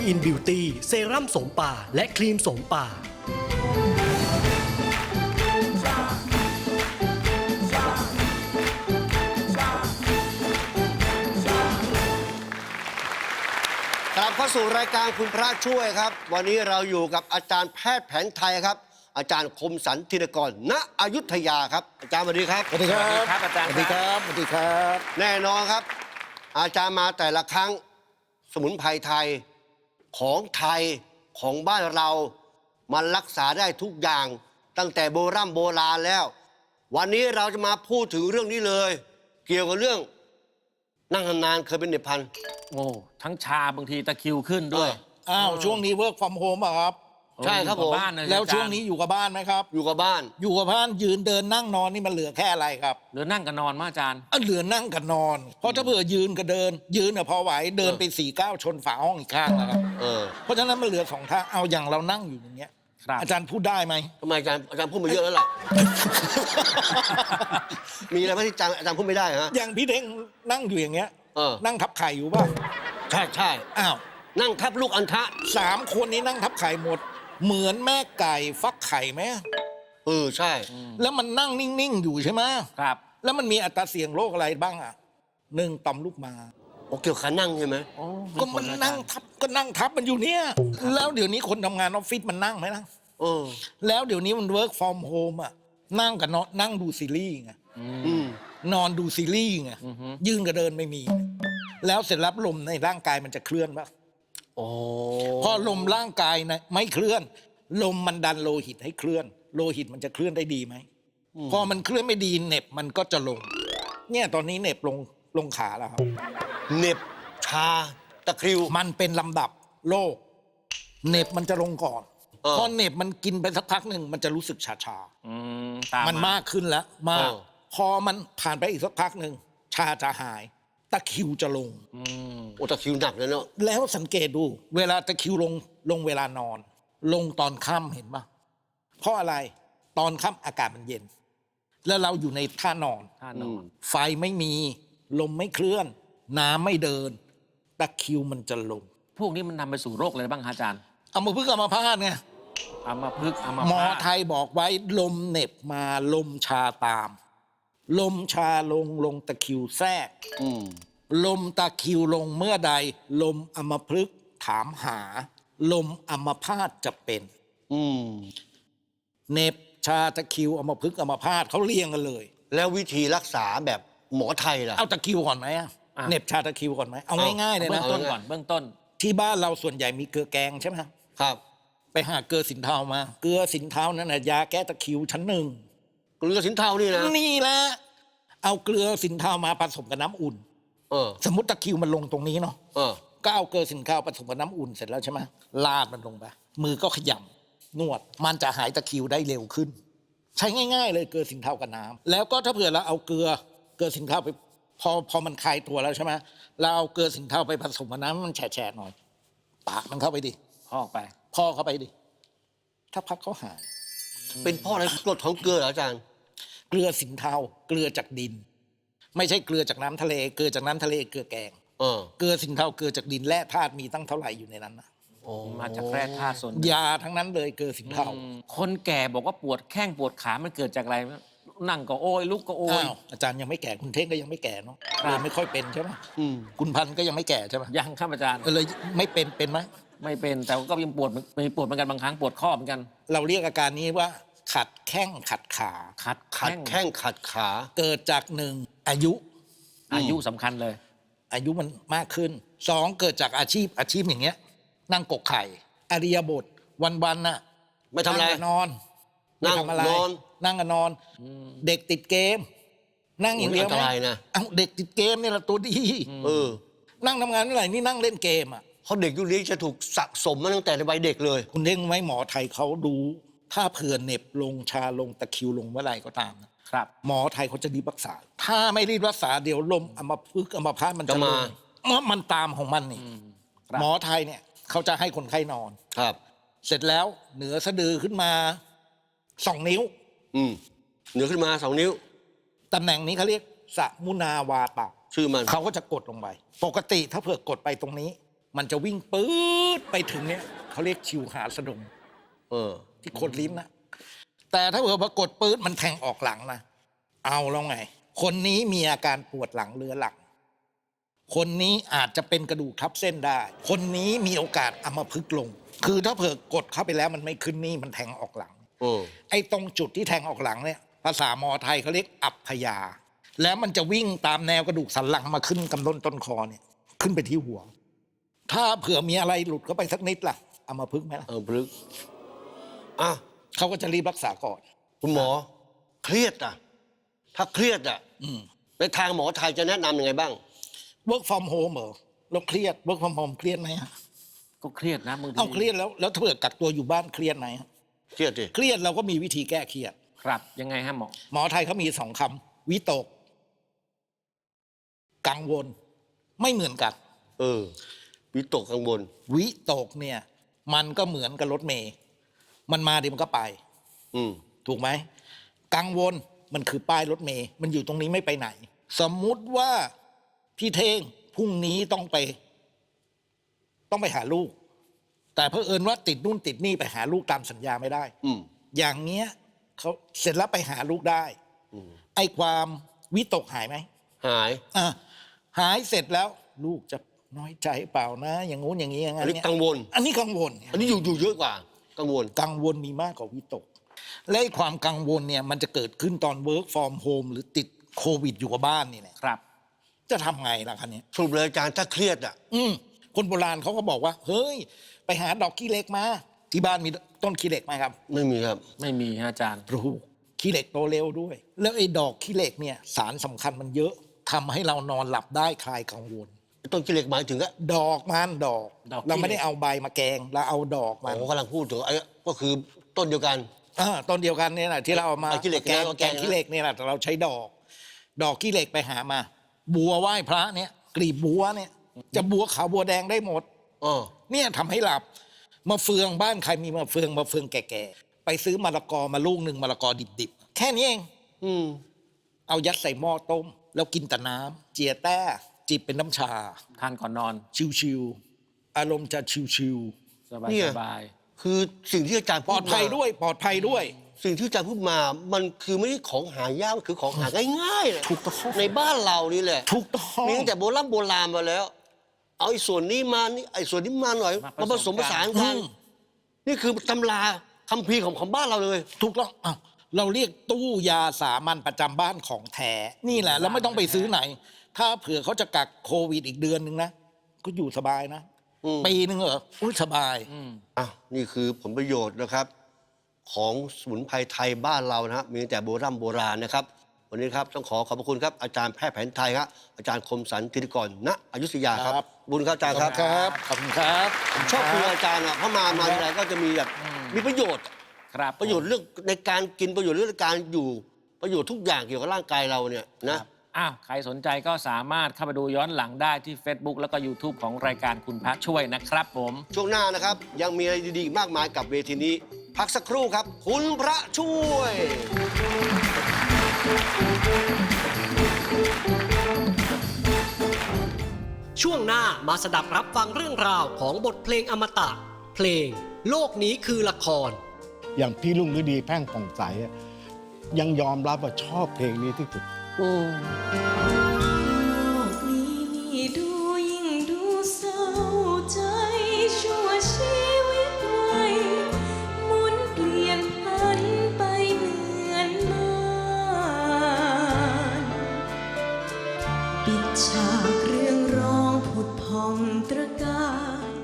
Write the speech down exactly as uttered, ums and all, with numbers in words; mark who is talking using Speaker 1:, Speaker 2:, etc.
Speaker 1: อินบิวตี้เซรั่มโสมป่าและครีมโสมป่า
Speaker 2: กลับเข้าสู่รายการคุณพระช่วยครับวันนี้เราอยู่กับอาจารย์แพทย์แผนไทยครับอาจารย์คมสันธินกรณอยุธยาครับอาจารย์สวัสดีครับ
Speaker 3: สวัสดีครับ
Speaker 4: ครับอาจารย์
Speaker 3: สวัสดีครับสวัสดีครับ
Speaker 2: แน่นอนครับ อาจารย์มาแต่ละครั้งสมุนไพรไทยของไทยของบ้านเรามันรักษาได้ทุกอย่างตั้งแต่โบราณโบราณแล้ว วันนี้เราจะมาพูดถึงเรื่องนี้เลย เกี่ยวกับเรื่องนั่งนานๆเคยเป็นเด็บพัน
Speaker 4: โอ้ทั้งชาบางทีตะคริวขึ้นด้วย
Speaker 3: อ้าวช่วงนี้ work from home อ่ะครับ
Speaker 2: ใช่ครับ
Speaker 4: อยู่
Speaker 2: ผม
Speaker 4: บ้านเลย
Speaker 3: แล้ว
Speaker 4: อาจารย์
Speaker 3: ช่วงนี้อยู่กับบ้านไหมครับ
Speaker 2: อยู่กับบ้าน
Speaker 3: อยู่กับบ้านยืนเดินนั่งนอนนี่มันเหลือแค่อะไรครับ
Speaker 4: เหลือนั่งกับนอนมาอาจารย์
Speaker 3: อ่ะเหลือนั่งกับนอน เพราะถ้าเผื่อยืนกับเดิน ยืนเนี่ยพอไหวเดินไปสี่ก้าวชนฝาห้องอีกข้างนะครับ
Speaker 2: เออ
Speaker 3: เพราะฉะนั้นมันเหลือสองทางเอาอย่างเรานั่งอยู่อย่างเงี้ย
Speaker 4: ครับ
Speaker 3: อาจารย์พูดได้ไหม
Speaker 2: ทำไมอาจารย์อาจารย์พูดมาเยอะแล้วล่ะ มีอะไรไหมที่อาจารย์อาจารย์พูดไม่ได้ฮะ
Speaker 3: อย่างพี่เด้งนั่งอยู่อย่างเงี้ย
Speaker 2: เออ
Speaker 3: นั่งทับไข่อยู่ป่ะ
Speaker 2: ใช่ใช่
Speaker 3: อ้าว
Speaker 2: นั่งทับลูกอัณฑะ
Speaker 3: สามคนนี้นั่งทับไข่หมด เหมือนแม่ไก่ฟักไข่ไหม
Speaker 2: เออใช่
Speaker 3: แล้วมันนั่งนิ่งๆอยู่ใช่ไหม
Speaker 4: ครับ
Speaker 3: แล้วมันมีอัตราเสี่ยงโรคอะไรบ้างอ่ะหนึ่งต่อมลูกหมาก
Speaker 2: โอเกี่ยวกับขานั่งใช่ไหม
Speaker 4: โอ้
Speaker 3: ก็มันนั่งทับก็นั่งทับมันอยู่เนี่ยแล้วเดี๋ยวนี้คนทำงานออฟฟิศมันนั่งไหมนะ
Speaker 2: เออ
Speaker 3: แล้วเดี๋ยวนี้มัน work from home อ่ะนั่งกับนอนนั่งดูซีรีส์ไง
Speaker 2: อืม
Speaker 3: นอนดูซีรีส์ไงยืนกับเดินไม่มี แล้วเสร็จแล้วลมในร่างกายมันจะเคลื่อนปะ
Speaker 2: โอ้
Speaker 3: พอลมร่างกายนะไม่เคลื่อน ลมมันดันโลหิตให้เคลื่อน โลหิตมันจะเคลื่อนได้ดีไหมพอมันเคลื่อนไม่ดีเหน็บมันก็จะลง เนี่ยตอนนี้เหน็บลงลงขาแล้วครับ
Speaker 2: เหน็บชาตะคริว
Speaker 3: มันเป็นลำดับโรคเหน็บมันจะลงก่อน
Speaker 2: เออ
Speaker 3: พอเหน็บมันกินไปสักพักหนึ่งมันจะรู้สึกชาชา
Speaker 4: อืมตาม
Speaker 3: ๆมันมากขึ้นแล้วมาก
Speaker 2: เออ
Speaker 3: พอมันผ่านไปอีกสักพักหนึ่งชาจะหาย ตะคริวจะลง
Speaker 4: อืม
Speaker 2: โอ้ตะคริวหนักเลยเนาะ
Speaker 3: แล้วสังเกตดู เวลาตะคริวลงลงเวลานอน ลงตอนค่ำเห็นปะเพราะอะไรตอนค่ำอากาศมันเย็น แล้วเราอยู่ในท่านอน
Speaker 4: ท่านอน
Speaker 3: ไฟไม่มีลมไม่เคลื่อน น้ำไม่เดิน ตะคริวมันจะลง
Speaker 4: พวกนี้มันนำไปสู่โรคอะไรบ้างฮะอาจารย์
Speaker 3: เอามาพึ่งเอามาพาดไง
Speaker 4: อัมพฤกษ์อัม
Speaker 3: หมอ
Speaker 4: พาต
Speaker 3: ไทยบอกไว้ลมเหน็บมาลมชาตาม ลมชาลงลงตะคริวแทรก
Speaker 2: อืม
Speaker 3: ลมตะคริวลงเมื่อใด ลมอัมพฤกษ์ถามหา ลมอัมพาตจะเป็น
Speaker 2: อืม
Speaker 3: เหน็บชาตะคริวอัมพฤกษ์อัมพาตเขาเรียงกันเลย
Speaker 2: แล้ววิธีรักษาแบบหมอไทยล่ะ
Speaker 3: เอาตะคริวก่อนไหมอะเหน็บชาตะคริวก่อนไหมเอา
Speaker 2: เอา
Speaker 3: ง่ายๆเลย
Speaker 4: เบื้อ
Speaker 3: นะ
Speaker 4: งต้นก่อนเบื้องต้น
Speaker 3: ที่บ้านเราส่วนใหญ่มีเกลือแกงใช่ไหม
Speaker 2: ครับ
Speaker 3: ไปหาเกลือสินเทามา เกลือสินเทานั่นนะยาแก้ตะคริวชั้นหนึ่ง
Speaker 2: เกลือสินเทานี่นะ
Speaker 3: นี่แหละเอาเกลือสินเทามาผสมกับน้ำอุ่น
Speaker 2: เออ
Speaker 3: สมมติตะคริวมันลงตรงนี้เนาะ
Speaker 2: เออ
Speaker 3: ก็เอาเกลือสินเทาผสมกับน้ำอุ่นเสร็จแล้วใช่ไหมลาดมันลงไปมือก็ขยำนวด มันจะหายตะคริวได้เร็วขึ้น ใช้ง่ายๆเลยเกลือสินเทากับน้ำแล้วก็ถ้าเผื่อเราเอาเกลือเกลือสินเทาไปพอพอมันคลายตัวแล้วใช่ไหมเราเอาเกลือสินเทาไปผสมกับน้ำมันแฉะๆหน่อยปากมันเข้าไปดิ
Speaker 4: พอกไป
Speaker 3: พ่อเข้าไปดิถ้าพักเขาหาย
Speaker 2: เป็นเพ่ออะไรกรดของเกลือเหรออาจารย์
Speaker 3: เกลือสินเทาเกลือจากดิน ไม่ใช่เกลือจากน้ำทะเล เกลือจากน้ำทะเลเกลือแกง
Speaker 2: เออ
Speaker 3: เกลือสินเทาเกลือจากดินแร่ธาตุมีตั้งเท่าไหร่อยู่ในนั้นนะ
Speaker 2: โอ้
Speaker 4: มาจากแร่ธาตุส่วน
Speaker 3: ยาทั้งนั้นเลยเกลือสินเทา
Speaker 4: อืมคนแก่บอกว่าปวดแข้งปวดขา มันเกิดจากอะไร นั่งก็โอยลุกก็โอย
Speaker 3: อ้าวอาจารย์ยังไม่แก่คุณเท่งก็ยังไม่แก่เนาะ
Speaker 4: ครับ
Speaker 3: เลยไม่ค่อยเป็นใช่ไหม
Speaker 2: อืม
Speaker 3: คุณพันธุ์ก็ยังไม่แก่ใช่ไหม
Speaker 4: ยังครับอาจารย์
Speaker 3: เออเลยไม่เป็นเป็นไหม
Speaker 4: ไม่เป็นแต่ก็ยังปวดมีปวดเหมือนกันบางครั้งปวดข้อเหมือนกัน
Speaker 3: เราเรียกอาการนี้ว่า ขัดแข้งขัดขา
Speaker 4: ขัด
Speaker 2: ขัด
Speaker 4: แข้ง
Speaker 2: แข้งขัดขา
Speaker 3: เกิดจากหนึ่งอายุ
Speaker 4: อายุสำคัญเลย
Speaker 3: อายุมันมากขึ้นสองเกิดจากอาชีพอาชีพอย่างเงี้ย นั่งกกไข่อริยบทวันๆน่ะ
Speaker 2: ไม่ทำอะไร
Speaker 3: นั่งกับนอน
Speaker 2: นั่ง
Speaker 3: ไม่ทำอะไร
Speaker 2: นอน
Speaker 3: นั่งกับนอน เด็กติดเกม นั่งอย่างเดียว
Speaker 2: อันตรายนะ
Speaker 3: เอ้าเด็กติดเกมนี่แหละตัวดี
Speaker 2: เออ
Speaker 3: นั่งทำงานเมื่อไหร่นี่นั่งเล่นเกมอ่ะ
Speaker 2: เพราะเด็กยุคนี้จะถูกสะสมมาตั้งแต่ในวัยเด็กเลย
Speaker 3: คุณเด้งไหมหมอไทยเขาดู ถ้าเผื่อเหน็บลงชาลงตะคริวลงเมื่อไหร่ก็ตามนะครับ หมอไทยเขาจะรีบรักษา ถ้าไม่รีบรักษาเดี๋ยวลมอัมพฤกษ์อัมพาตมันจะ
Speaker 2: จะ
Speaker 3: ล
Speaker 2: มา
Speaker 3: งเมื่อมันตามของมันนี่
Speaker 4: ครับ
Speaker 3: หมอไทยเนี่ยเขาจะให้คนไข้นอน
Speaker 2: ครับ
Speaker 3: เสร็จแล้วเหนือสะดือขึ้นมาสองนิ้ว
Speaker 2: อืมเหนือขึ้นมาสองนิ้ว
Speaker 3: ตำแหน่งนี้เขาเรียกสมุนาวาตะ
Speaker 2: ชื่อมัน
Speaker 3: เขาก็จะกดลงไป ปกติถ้าเผื่อกดไปตรงนี้มันจะวิ่งปื๊ดไปถึงเนี้ยเขาเรียกชิวหาสะดง
Speaker 2: เออ
Speaker 3: ที่โคนลิ้นนะแต่ถ้าเผื่อปรากฏปื๊ดมันแทงออกหลังนะเอาแล้วไง คนนี้มีอาการปวดหลังเรื้อรังคนนี้อาจจะเป็นกระดูกทับเส้นได้ คนนี้มีโอกาสอัมพฤกษ์ลง คือถ้าเผื่อกดเข้าไปแล้วมันไม่ขึ้นนี่มันแทงออกหลัง
Speaker 2: เออ
Speaker 3: ไอ้ตรงจุดที่แทงออกหลังเนี่ยภาษาหมอไทยเขาเรียกอัปพยา แล้วมันจะวิ่งตามแนวกระดูกสันหลังมาขึ้นกำต้นต้นคอเนี่ยขึ้นไปที่หัว ถ้าเผื่อมีอะไรหลุดเข้าไปสักนิดล่ะอัมพฤกษ์ไหมล่ะ
Speaker 2: เออพลึกอ่ะ
Speaker 3: เขาก็จะรีบรักษาก่อน
Speaker 2: คุณหมอ เครียดอ่ะ ถ้าเครียดอ่ะ
Speaker 3: อืม
Speaker 2: ในทางหมอไทยจะแนะนำยังไงบ้าง
Speaker 3: work from home เหรอเราเครียด work from home เครียดไหมฮะ
Speaker 4: ก็เครียดนะบางที
Speaker 3: เอาเครียดแล้วแล้วถ้าเผื่อกักตัวอยู่บ้านเครียดไหมฮะ
Speaker 2: เครียดดิ
Speaker 3: เครียดเราก็มีวิธีแก้เครียด
Speaker 4: ครับยังไงฮะหมอ
Speaker 3: หมอไทยเขามีสองคำวิตก กังวล ไม่เหมือนกัน
Speaker 2: เออ วิตกกังวล
Speaker 3: วิตกเนี่ยมันก็เหมือนกับรถเมย์มันมาดิมันก็ไป
Speaker 2: อืม
Speaker 3: ถูกไหมกังวลมันคือป้ายรถเมย์มันอยู่ตรงนี้ไม่ไปไหน สมมุติว่าพี่เท่งพรุ่งนี้ต้องไป ต้องไปหาลูก แต่เผอิญว่าติดนู่นติดนี่ไปหาลูกตามสัญญาไม่ได้
Speaker 2: อืม
Speaker 3: อย่างเงี้ยเขาเสร็จแล้วไปหาลูกได้
Speaker 2: อืม
Speaker 3: ไอ้ความวิตกหายไหม
Speaker 2: หาย
Speaker 3: อ่ะหายเสร็จแล้วลูกจะน้อยใจเปล่านะ อย่างงู้นอย่างนี้อย่าง
Speaker 2: อั
Speaker 3: นั้น น
Speaker 2: นี้
Speaker 3: เนี่ย
Speaker 2: กังวล
Speaker 3: อันนี้กังวล
Speaker 2: อันนี้อยู่อยู่เยอะกว่า กังวล
Speaker 3: กังวลมีมากกว่าวิตก และไอ้ความกังวลเนี่ยมันจะเกิดขึ้นตอน work from home หรือติดโควิดอยู่กับบ้านนี่แหละ
Speaker 4: ครับ
Speaker 3: จะทำไงล่ะคันนี้
Speaker 2: สรุปเลยอาจารย์ถ้าเครียดอ่ะ
Speaker 3: อืมคนโบราณเขาก็บอกว่า เฮ้ย ไปหาดอกขี้เหล็กมา ที่บ้านมีต้นขี้เหล็กไหมครับ
Speaker 2: ไม่มีครับ
Speaker 4: ไม่มีฮะอาจารย์
Speaker 3: ปลูกขี้เหล็กโตเร็วด้วย แล้วไอ้ดอกขี้เหล็กเนี่ยสารสำคัญมันเยอะทำให้เรานอนหลับได้คลายกังวล
Speaker 2: ต้นกิเลสหมายถึงอะ
Speaker 3: ดอกมันดอก
Speaker 4: ดอกขี้เหล็ก
Speaker 3: เราไม่ได้เอาใบมาแกงเราเอาดอก
Speaker 2: อ๋
Speaker 3: มัน
Speaker 2: อกำลังพูดถึงไอ้ก็คือต้นเดียวกัน
Speaker 3: อ่าต้นเดียวกันเนี่ยแหละที่เราเอามา
Speaker 2: เอาขี้เหล็ก
Speaker 3: แกง
Speaker 2: เอา
Speaker 3: แก
Speaker 2: แก
Speaker 3: ง
Speaker 2: ง
Speaker 3: ขี้เหล็กเนี่ยแหละแต่เราใช้ดอก ดอกขี้เหล็กไปหามา บัวไหว้พระเนี่ยกลีบบัวเนี่ย จะบัวขาวบัวแดงได้หมด
Speaker 2: อ๋อ
Speaker 3: เนี่ยทำให้หลับมาเฟืองบ้านใครมีมาเฟืองมาเฟืองแก่ๆไปซื้อมะละกอมาลูกหนึ่งมะละกอดิบๆแค่นี้เอง
Speaker 2: อืม
Speaker 3: เอายัดใส่หม้อต้ม แล้วกินแต่น้ำเจียแต้จิบเป็นน้ำชา
Speaker 4: ทานก่อนนอน
Speaker 3: ชิวๆอารมณ์จะชิว
Speaker 4: สบาย
Speaker 2: เนี่ย
Speaker 4: สบาย
Speaker 2: คือสิ่งที่อาจารย์
Speaker 3: ๆปล
Speaker 2: พู
Speaker 3: อ
Speaker 2: ด
Speaker 3: ด
Speaker 2: มา
Speaker 3: ภัยด้วยปลอดภัยด้วย
Speaker 2: สิ่งที่อาจารย์พูดมา มันคือไม่ใช่ของหายากมันคือของหาง่ายๆนะ
Speaker 3: ถูกต้อง
Speaker 2: ในบ้านเรานี่แหละ
Speaker 3: ถูกต้อง
Speaker 2: มีตั้งแต่โบราณโบราณมาแล้ว เอาไอ้ส่วนนี้มานี่ไอ้ส่วนนี้มาหน่อย มาผสมผสาน
Speaker 3: อื
Speaker 2: กัน
Speaker 3: ม
Speaker 2: นี่คือตำราคัมภีร์ของของบ้านเราเลย
Speaker 3: ถูกต้องอ้าวเราเรียกตู้ยาสามัญประจำบ้านของแท้นี่แหละแล้วไม่ต้องไปซื้อไหน ถ้าเผื่อเขาจะกักโควิดอีกเดือนหนึ่งนะก็อยู่สบายนะ
Speaker 2: อืม
Speaker 3: ปีหนึ่งเหรออุ้ยสบาย
Speaker 4: อืม
Speaker 2: อ่ะนี่คือผลประโยชน์นะครับ ของสมุนไพรไทยบ้านเรานะฮะมีตั้งแต่โบราณโบราณนะครับ วันนี้ครับต้องขอขอบพระคุณครับอาจารย์แพทย์แผนไทยครับอาจารย์คมสันธิติกรณอยุธยาครับ
Speaker 3: ครับ
Speaker 2: บุญครับอาจารย์ครับ
Speaker 3: ครับขอบคุณครับ
Speaker 2: ชอบคุยกับอาจารย์อ่ะเพราะมามาทีไรก็จะมีแบบมีประโยชน์
Speaker 4: ครับ
Speaker 2: ประโยชน์เรื่องในการกินประโยชน์เรื่องการอยู่ประโยชน์ทุกอย่างเกี่ยวกับร่างกายเราเนี่ยนะ
Speaker 4: อ้าวใครสนใจก็สามารถเข้าไปดูย้อนหลังได้ที่ Facebook แล้วก็ YouTube ของรายการคุณพระช่วยนะครับผม
Speaker 2: ช่วงหน้านะครับ ยังมีอะไรดีๆอีกมากมายกับเวทีนี้ พักสักครู่ครับ คุณพระช่วย
Speaker 1: ช่วงหน้ามาสดับรับฟังเรื่องราวของบทเพลงอมตะ เพลง โลกนี้คือละคร
Speaker 5: อย่างพี่ลุงฤดีแพ่งผ่องใสอะยังยอมรับว่าชอบเพลงนี้ที่สุด
Speaker 6: โลกนี้นี่ดูยิ่งดูเศร้าใจชั่วชีวิตไว้หมุนเปลี่ยนพันไปเหมือนม่านปิดฉากเรื่องร้องผุดพองตระกา